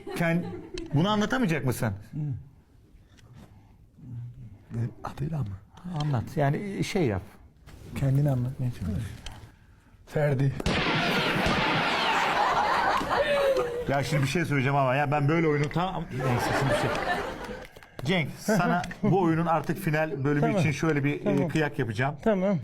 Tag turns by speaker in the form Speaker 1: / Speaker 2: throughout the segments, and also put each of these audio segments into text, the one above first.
Speaker 1: Bunu anlatamayacak mısın?
Speaker 2: Adıyla mı?
Speaker 1: Anlat. Yani şey yap.
Speaker 2: Kendini anlatmaya çalış. Ferdi.
Speaker 1: Ya şimdi bir şey söyleyeceğim ama ya ben böyle oyunu neyse şimdi bir şey. Cenk sana bu oyunun artık final bölümü
Speaker 3: Tamam.
Speaker 1: için şöyle bir
Speaker 3: Tamam.
Speaker 1: kıyak yapacağım.
Speaker 3: Tamam.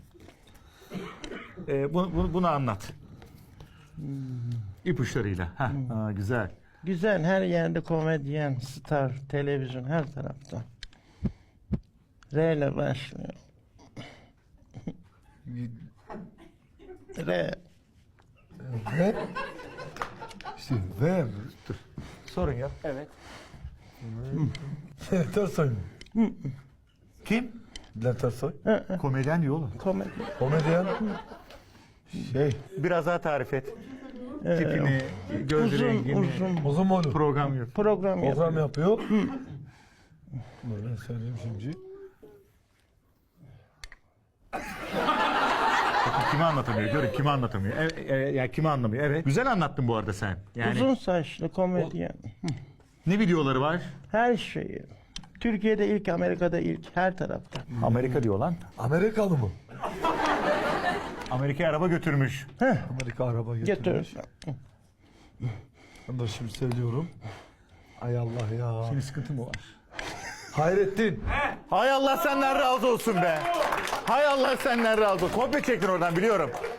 Speaker 1: Bunu anlat. İpuçlarıyla. Güzel.
Speaker 3: Güzel, her yerde komedyen, star, televizyon, her tarafta. R ile başlıyor. R.
Speaker 2: Ve işte ve
Speaker 1: Sorun yok. Evet.
Speaker 2: Bülent Ersoy mu?
Speaker 1: Kim?
Speaker 2: Bülent Ersoy.
Speaker 1: Komedyen diyor oğlum.
Speaker 3: Komedyen.
Speaker 2: Komedyen. Şey.
Speaker 1: Biraz daha tarif et. Tipini, göz
Speaker 3: Uzun,
Speaker 1: rengini.
Speaker 3: uzun
Speaker 2: Uzun boylu.
Speaker 1: Program yok.
Speaker 3: program yapıyor.
Speaker 2: Program yapıyor. Böyle söyleyeyim şimdi.
Speaker 1: Kimi anlatamıyor? Görün kimi anlatamıyor. Ya kimi anlamıyor? Evet. Güzel anlattın bu arada sen. Yani
Speaker 3: Uzun saçlı komedyen.
Speaker 1: ne videoları var?
Speaker 3: Her şeyi. Türkiye'de ilk, Amerika'da ilk, her tarafta.
Speaker 1: Amerika diyor lan.
Speaker 2: Amerikalı mı?
Speaker 1: Amerika'ya araba götürmüş.
Speaker 2: Amerika araba
Speaker 3: Götür.
Speaker 2: getirmiş. Ben de şimdi söylüyorum. Ay Allah ya.
Speaker 1: Senin sıkıntın mı var?
Speaker 2: Hayrettin.
Speaker 1: Hay Allah senden razı olsun be. Hay Allah senden razı olsun. Kopya çektin oradan biliyorum.